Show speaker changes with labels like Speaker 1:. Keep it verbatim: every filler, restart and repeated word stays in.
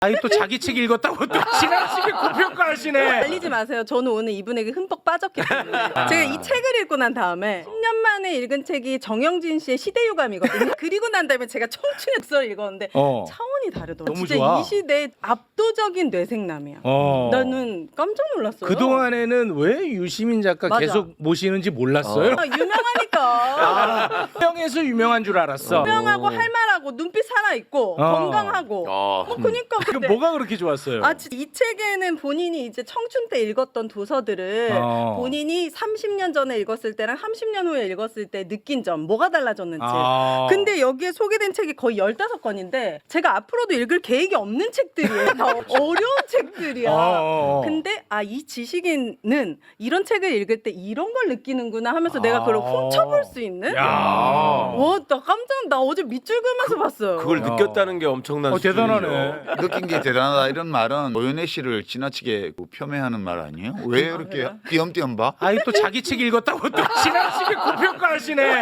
Speaker 1: 아니 또 자기 책 읽었다고 또 지나치게 고평가하시네.
Speaker 2: 알리지 마세요. 저는 오늘 이분에게 흠뻑 빠졌기 때문에 제가 이 책을 읽고 난 다음에 십 년 만에 읽은 책이 정영진 씨의 시대유감이거든요. 그리고 난 다음에 제가 청춘의 독서를 읽었는데
Speaker 1: 어.
Speaker 2: 차원이 다르더라고요.
Speaker 1: 너무
Speaker 2: 진짜
Speaker 1: 좋아.
Speaker 2: 이 시대의 압도적인 뇌생남이야.
Speaker 1: 어.
Speaker 2: 나는 깜짝 놀랐어요.
Speaker 1: 그 동안에는 왜 유시민 작가
Speaker 2: 맞아.
Speaker 1: 계속 모시는지 몰랐어요.
Speaker 2: 아, 유명하니까.
Speaker 1: 아, 유명해서 유명한 줄 알았어.
Speaker 2: 유명하고 할 말하고 눈빛 살아있고
Speaker 1: 어.
Speaker 2: 건강하고.
Speaker 3: 어.
Speaker 2: 뭐 그니까
Speaker 1: 그
Speaker 2: 근데
Speaker 1: 뭐가 그렇게 좋았어요?
Speaker 2: 아, 진짜 이 책에는 본인이 이제 청춘 때 읽었던 도서들을
Speaker 1: 어.
Speaker 2: 본인이 삼십 년 전에 읽었을 때랑 삼십 년 후에 읽었을 때 느낀 점, 뭐가 달라졌는지.
Speaker 1: 아.
Speaker 2: 근데 여기에 소개된 책이 거의 열다섯 권인데 제가 앞으로도 읽을 계획이 없는 책들이에요. 다 어려운 책들이야.
Speaker 1: 어, 어, 어.
Speaker 2: 근데 아, 이 지식인은 이런 책을 읽을 때 이런 걸 느끼는구나 하면서 내가 그걸 훔쳐볼 수 있는?
Speaker 1: 야.
Speaker 2: 와, 나 깜짝 나 어제 밑줄 그으면서 봤어요.
Speaker 3: 그걸
Speaker 1: 야.
Speaker 3: 느꼈다는 게 엄청난
Speaker 1: 어,
Speaker 3: 수준이죠.
Speaker 1: 대단하네.
Speaker 4: 느낀 게 대단하다 이런 말은 오연애 씨를 지나치게 폄훼하는 말 아니에요? 왜 이렇게 띄엄띄엄 봐?
Speaker 1: 아니 또 자기 책 읽었다고 또 지나치게 고평가하시네.